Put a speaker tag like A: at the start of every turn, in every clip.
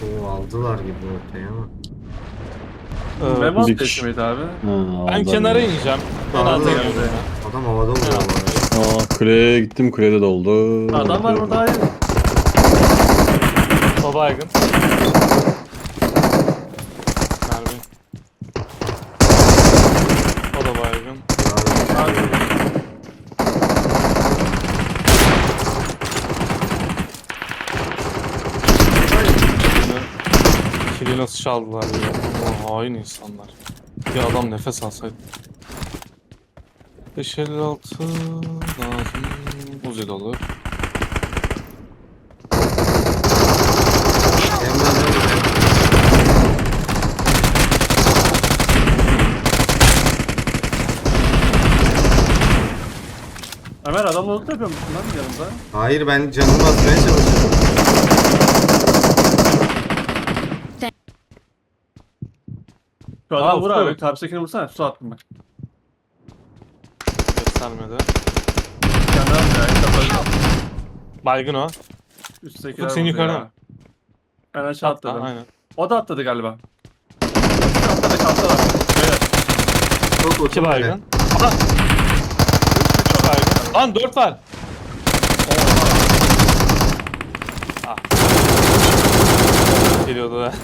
A: Oo, aldılar gibi ortaya ama.
B: Memo
C: bir
B: atıyor
C: kişi.
B: mıydı abi?
C: Ben
D: kenara ineceğim. Ben
A: Aldı
D: alta
A: ya.
D: iniyorum ben.
A: Adam havada vuruyor bu arada.
C: Kuleye gittim, kulede doldu.
B: Adam var burada, hayır.
D: O baygın. Mermi. O da baygın.
B: Abi.
D: Kili nasıl çaldılar ya? O hain insanlar. Bir adam nefes alsaydı. 556 lazım. Uzi dolu.
A: Emre nerede?
B: Ömer adamla loot yapıyor musun lan yanımda?
A: Hayır, ben canımı basmaya çalışıyorum.
B: Şu adam vur
D: Ufuk.
B: abi. Karşıdakini vursana. Su attım bak.
D: Göstermedi.
B: Kendi abi ya. Kapalı.
D: Baygın o.
B: Üsttekiler
D: Ufuk, sen
B: vurdu
D: yukarıda
B: ya.
D: mı?
B: Ben aşağı
D: Atla,
B: atladım.
D: aynen.
B: O da atladı galiba. Atladı kalktılar. Beyler.
A: Çok
D: 2
A: oturma
D: baygın.
A: hele.
D: Aha! 3 baygın. Lan 4 var. Ah. Geliyordu da.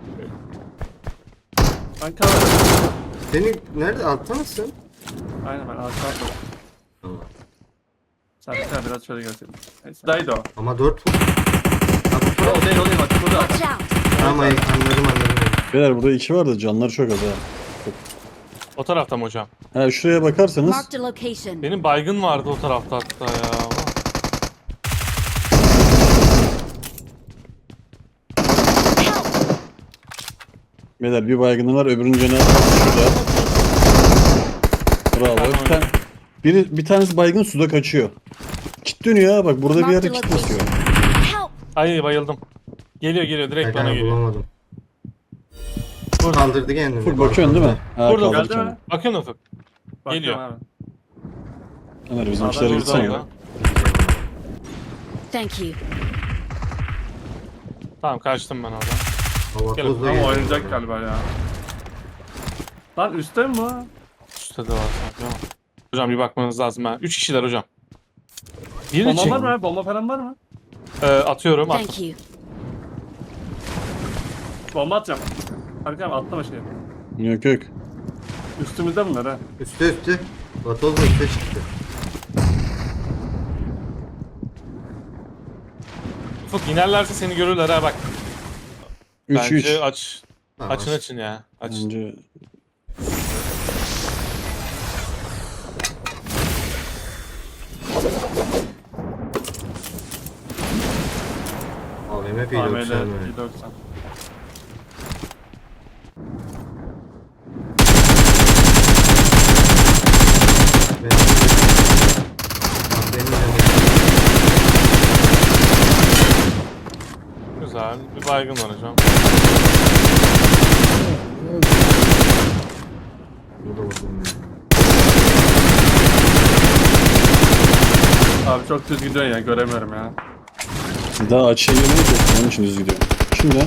B: Ben kalmadım.
A: Seni nerede, altta mısın?
B: Aynen ben aşağı atladım.
A: Tamam.
B: Sen biraz şöyle gelsin. Neyse. Daydı o.
A: Ama 4 var.
B: O değil bak burada.
E: Watch out!
A: Tamam, anladım.
C: Beyler burada 2 var da canları çok az ha.
D: O tarafta mı hocam?
C: Ha şuraya bakarsanız
E: Marked a location.
D: Benim baygın vardı o tarafta hatta ya.
C: beyler bir baygını var, öbürünün canı şurada. Bravo. Bir tanesi baygın suda kaçıyor. Kit dönüyor ha, bak burada bir yerde kit basıyor.
E: Help!
D: Ay bayıldım. Geliyor direkt bana
A: Ben
D: geliyor.
A: bulamadım. Kaldırdı kendini.
C: Full bakıyorsun değil mi? Ha,
D: Burada
C: kaldır
B: geldi
C: kendini.
B: mi?
D: Bakın Ufuk.
B: Bakıyorum
D: Geliyor.
B: abi.
C: Ömer bizim
B: Adam
C: işlere
B: burada
C: gitsen
D: Orada.
C: ya.
E: Thank you.
D: Tamam kaçtım ben oradan.
A: Hava
D: Gel,
A: tozla
B: Ama
A: geliyor.
B: oynayacak galiba ya. Lan üstte mi bu?
D: Üstte de var sanki ama. Hocam bir bakmanız lazım ha. 3 kişiler hocam. Birini
B: Bomba
D: çek.
B: var mı abi? Bomba falan var mı?
D: Atıyorum. At.
E: Thank you.
B: Bomba atacağım. Arkam atlama şey.
C: Yok.
B: Üstümüzde bunlar ha.
A: Üste. Vatozla üste çıktı.
D: Ufuk inerlerse seni görürler ha bak.
C: 3
D: Bence aç.
A: Tamam.
D: Açın ya. Aç.
C: Bence
A: AVM
B: AML
A: P90 mı?
B: 190.
D: Güzel. Bir baygın var hocam.
A: Burada vurdum ya.
B: Abi çok düz gidiyorsun ya göremiyorum ya.
C: daha açıya girmeyi yok. Onun için düz gidiyor. Şimdi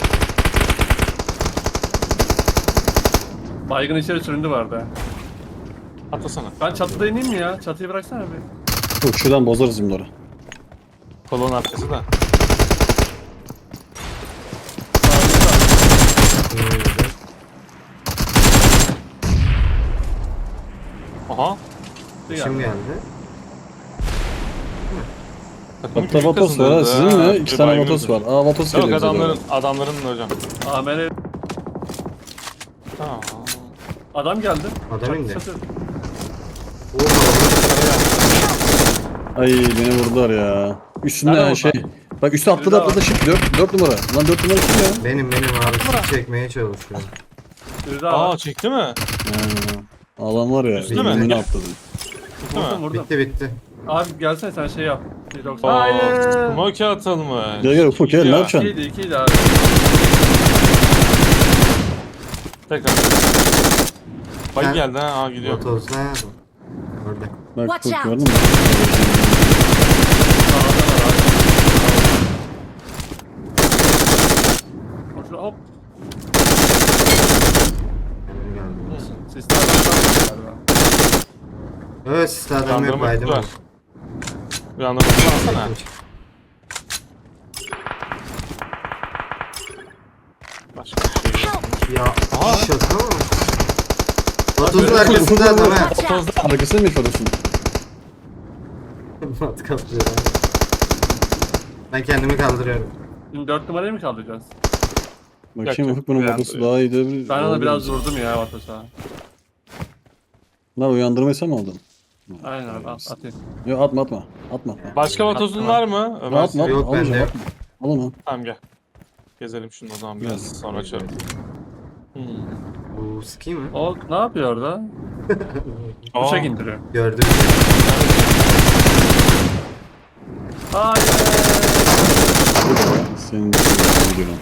B: Baygın içeri süründü vardı ha.
D: Atlasana.
B: Ben çatıda ineyim mi ya? Çatıyı bıraksana bir.
C: yok, şuradan bozarız bunları.
D: Kolon arkası da. Aha.
A: Kim geldi?
D: Takımı
C: Hatta
D: küçük
C: Vatos var ha,
D: kazandırdı
C: sizin
D: ha.
C: mi?
D: Bir
C: 2 tane
D: baygın
C: Vatos
D: var.
C: var. Aa Vatos
D: Yok
C: geliyor bize doğru.
D: adamların da hocam.
B: AML
D: Tamam.
B: adam geldi.
A: Adam indi.
B: Çatı.
A: Oo,
C: Ay beni vurdular ya. Üstünde
D: Nerede
C: şey.
D: vurdular?
C: Bak üstü atladı shift 4 numara. Lan 4 numara kim ya?
A: benim abi sizi çekmeye çalışıyor.
B: Biri daha
D: Aa
B: var.
D: çekti mi?
C: Ha, adam var ya.
D: Üstü mü?
C: Önüne atladı.
D: Değil mi?
B: Vurdum.
A: Bitti.
B: Abi gelsene sen şey yap. 190.
D: Aa,
B: Hayır.
D: smoke atılmış.
C: Gel Ufuk gel ne
D: Ya.
C: yapacaksın?
B: İkiydi abi.
D: Tekrar. Bak
A: Ha.
D: geldi ha. Aa gidiyor.
A: Vatoz nerede? Orada.
C: Bak
E: Watch
C: Ufuk
E: out.
C: gördün mü?
B: Sağda var abi. Hop.
A: Benim geldi.
B: Sistemden galiba.
A: Evet sisli adam yok
D: Uyandırma
A: baydım.
D: kutu var. Uyandırma kutu alsana. Başka bir şey yok.
A: Ya
D: Aha.
A: şaka mı? Vatozun arkasında adam ha.
C: Otozda arkasını mı yapıyorsun?
A: Mat kaplıyor. Ben kendimi kaldırıyorum.
B: Şimdi 4 numarayı mı kaldıracağız?
C: Bakayım
D: Yok,
C: Ufuk bunun
D: yok,
C: babası
D: uyandırıyor.
C: daha iyi de.
B: Ben ona biraz vurdum ya Vatos'a.
C: Lan uyandırmayı sen mi aldın?
B: Aynen abi atayım.
C: Yok atma atma. Atma atma.
D: Başka vatozun var mı? Ömer?
C: Atma atma.
A: Yok,
C: Almayacağım,
A: bende.
C: atma. Al onu.
D: Tamam gel. Gezelim şunu o zaman biraz sonra açarım.
A: Bu ski mi?
B: O ne yapıyor orada?
D: Aa,
B: Uçak indiriyor.
A: Gördüm.
B: Hayır.
C: Senin videonun.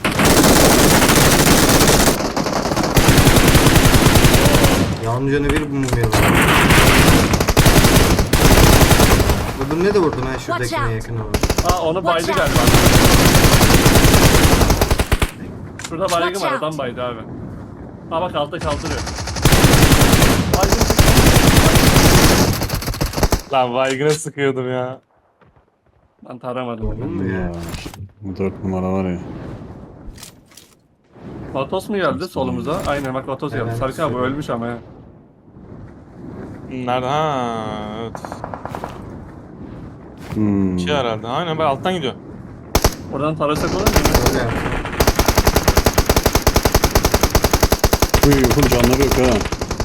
A: Yağmur canı bir mumyalı. Vurdum ne de vurdum ha şuradakine
E: out.
A: yakın olan.
B: Aa onu baydı
E: Watch out.
B: galiba. Şurada baygın
E: Watch
B: var
E: out.
B: adam baydı abi. Aa bak altta kaldırıyor. Baygın.
D: Lan baygına sıkıyordum ya.
B: Ben taramadım.
A: Vurdun mu ya?
C: Ya, bu 4 numara var ya.
B: Vatos mu geldi solumuza? Aynen bak Vatos geldi.
A: Evet,
B: Sarkı abi
A: şöyle.
B: ölmüş ama ya.
D: Nerede? Ha, evet.
C: Hmm.
D: İki herhalde. Aynen bak alttan gidiyor.
B: Oradan tarasak olur mu?
A: Öyle yaptım.
C: Uy Ufuk canları yok ha.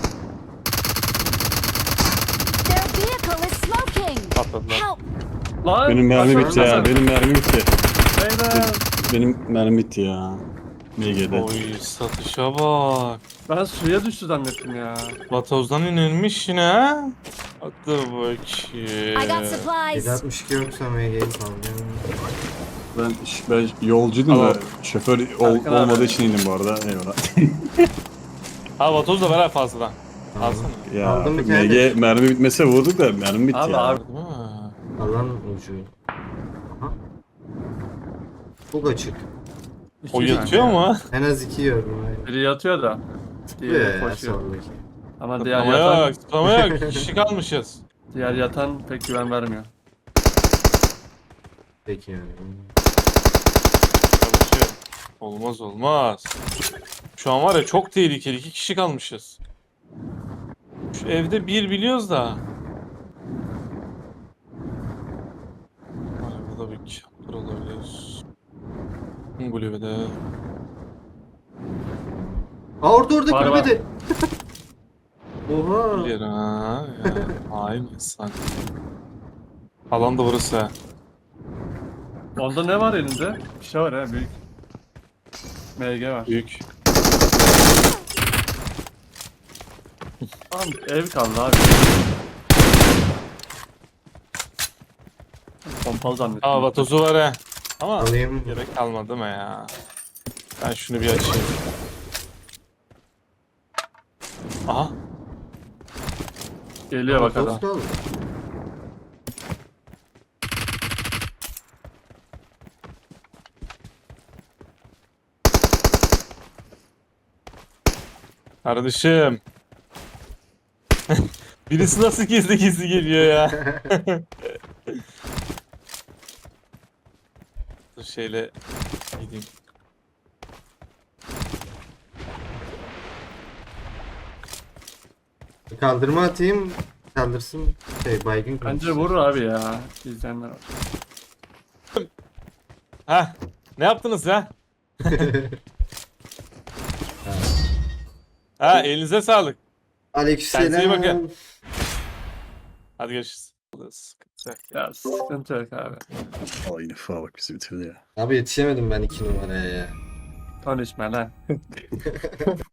E: Their vehicle is smoking!
D: Patladılar.
E: Help!
B: Lan!
C: Benim mermi
B: aşağı
C: bitti ya.
B: inmesen.
C: Benim mermi bitti.
B: Beyler!
C: Benim mermi bitti ya. MG'de.
D: Oy satışa bak.
B: Ben suya düştü zannettim ya.
D: Vatozdan inilmiş yine ha. Hadi
E: I got
D: bakayım.
E: supplies!
A: 762 yoksa MG'yi salacağım.
C: Ben yolcuydum da
D: Tamam.
C: şoför
B: Serkan abi.
C: olmadığı için indim bu arada. Eyvallah.
D: Ha vatoz da ver ha fazladan. Alsana.
C: Ya
A: Aldım bir tane
C: MG mermi bitmese vurduk da mermi bitti
B: Abi,
C: ya.
B: abi.
D: Değil mi?
A: Alan ucu. Aha. Çok açık.
D: O
B: İki
D: yatıyor
B: tane.
D: mu?
A: En az 2 gördüm. Hayır.
B: Biri yatıyor da.
A: Tutuyor
B: Diğeri
A: ya
B: koşuyor.
A: soldaki.
B: Ama diğer
D: Ama
B: yatan,
D: yok, ama yok. Kişi kalmışız.
B: diğer yatan pek güven vermiyor.
A: Peki yani.
D: Çalışıyor. Olmaz olmaz. Şu an var ya çok tehlikeli. 2 kişi kalmışız. Şu evde bir biliyoruz da. Arabada bir kaplar olabilir. Kulübede.
A: Aa orada
B: Var,
A: kulübede. Oha.
D: Bir ha. Ya, hain insan. Alan da burası ha.
B: Onda ne var elinde? Bir şey var ha büyük. MG var.
D: Büyük.
B: Tamam ev kaldı abi. Pompalı zannettim.
D: Aa vatozu var ha. Ama
A: Alayım.
D: gerek kalmadı mı ya? Ben şunu bir açayım. Aha.
B: Geliyor bak adam.
A: Otostol mu?
D: Kardeşim. Birisi nasıl gizli gizli geliyor ya? Dur şeyle gideyim.
A: Kaldırma atayım. Kaldırsın. Baygın
B: Bence
A: kaldırsın.
B: vurur abi ya. İzleyenler var.
D: Ha? Ne yaptınız ya? Ha elinize sağlık. Kendinize iyi bakın.
A: Aleykümselam.
D: Hadi görüşürüz. Sıkıntı yok.
B: Ya sıkıntı yok abi.
C: Valla yine fa bak bizi bitirdi ya.
A: Abi yetişemedim ben 2 numaraya ya.
B: Konuşma lan.